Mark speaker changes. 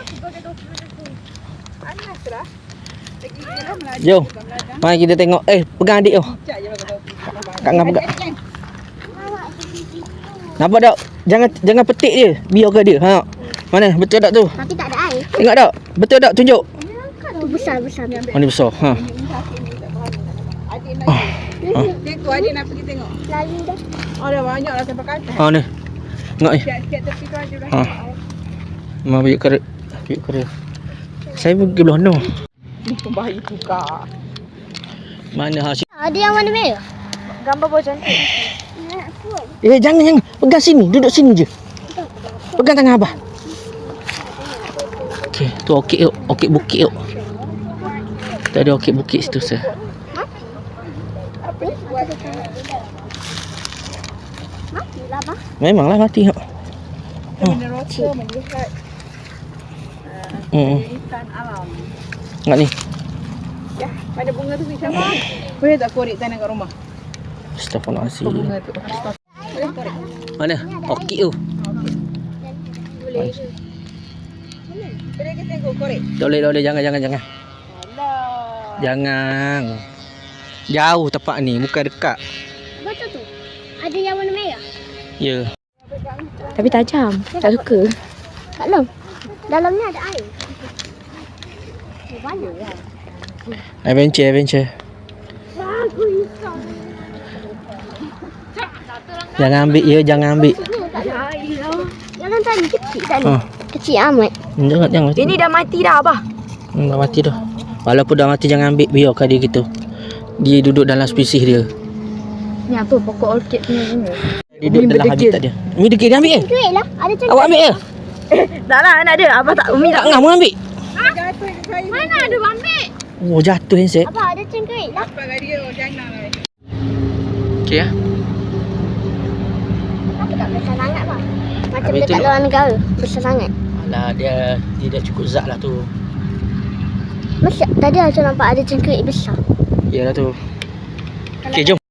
Speaker 1: Jom. Mari kita tengok. Pegang adik tu. Kak Ngah pegang. Nampak tak? Jangan petik dia. Biarkan dia. Ha. Mana? Betul tak tu?
Speaker 2: Tapi tak ada air.
Speaker 1: Tengok tak? Betul tak? Tunjuk.
Speaker 2: Tu besar.
Speaker 1: Oh, ni besar. Ha.
Speaker 3: Tengok adik nak pergi tengok.
Speaker 2: Lalu dah.
Speaker 3: Oh dah banyak lah sampai kat atas.
Speaker 1: Ha ni. Tengok ni.
Speaker 3: Sikit tepi tu aja dah.
Speaker 1: Ha. Mak bagi kerut. Bagi kerut. Saya pergi belah no.
Speaker 3: Ni pembahayu tukar.
Speaker 1: Mana hasil?
Speaker 2: Ada yang warna merah.
Speaker 3: Gambar bawah cantik.
Speaker 1: Jangan. Pegang sini. Duduk sini je. Pegang tangan abah. Okey, tu okey yuk. Okey bukit yuk. Tak ada okey bukit situ sah.
Speaker 2: Matilah bang.
Speaker 1: Memanglah mati hak.
Speaker 3: Benda rasa melihat ikan alam.
Speaker 1: Ingat ni.
Speaker 3: Ya, pada bunga tu macam mana? Boleh tak korek tanah kat rumah?
Speaker 1: Astagfirullahalazim.
Speaker 3: Bunga tu. Boleh korek.
Speaker 1: Mana? Okey tu.
Speaker 3: Boleh. Boleh kita tengok korek.
Speaker 1: Tak boleh. Jangan.
Speaker 3: Alah.
Speaker 1: Jangan. Jauh tempat ni, bukan dekat.
Speaker 2: Betul tu. Ada yang warna merah.
Speaker 1: Ya.
Speaker 3: Tapi tajam. Tak suka.
Speaker 2: Kat dalam. Dalamnya ada air. Banyak lah.
Speaker 1: Adventure.
Speaker 2: Bagus.
Speaker 1: Jangan ambil ya, jangan ambil.
Speaker 2: Jangan tadi kecil tadi.
Speaker 1: Ha.
Speaker 2: Kecil amat.
Speaker 1: Jangan.
Speaker 3: Ini dah mati dah abah.
Speaker 1: Dah mati dah. Walaupun dah mati jangan ambil, biarkan dia gitu. Dia duduk dalam spesies dia.
Speaker 3: Ni apa pokok orchid punya ni?
Speaker 1: Dia duduk dalam habitat dia. Umi degil dia ambil ke?
Speaker 2: Cengkuit lah. Ada cengkuit.
Speaker 1: Awak ambil ke?
Speaker 3: Tak lah nak ada. Abah tak Umi
Speaker 1: Tak
Speaker 3: tak.
Speaker 1: ngah mau ambil.
Speaker 3: Mana ada ambil?
Speaker 1: Oh jatuh handset.
Speaker 2: Apa ada cengkuit lah.
Speaker 3: Apa kat dia jangan lah.
Speaker 1: Okey ya.
Speaker 2: Kenapa tak besar sangat bang? Macam
Speaker 1: Habis tu
Speaker 2: dekat
Speaker 1: nak-
Speaker 2: luar negara. Besar sangat.
Speaker 1: Alah dia dah cukup zat lah tu.
Speaker 2: Masa tadi aku nampak ada cengkuit besar.
Speaker 1: Yalah tu. Okey jom.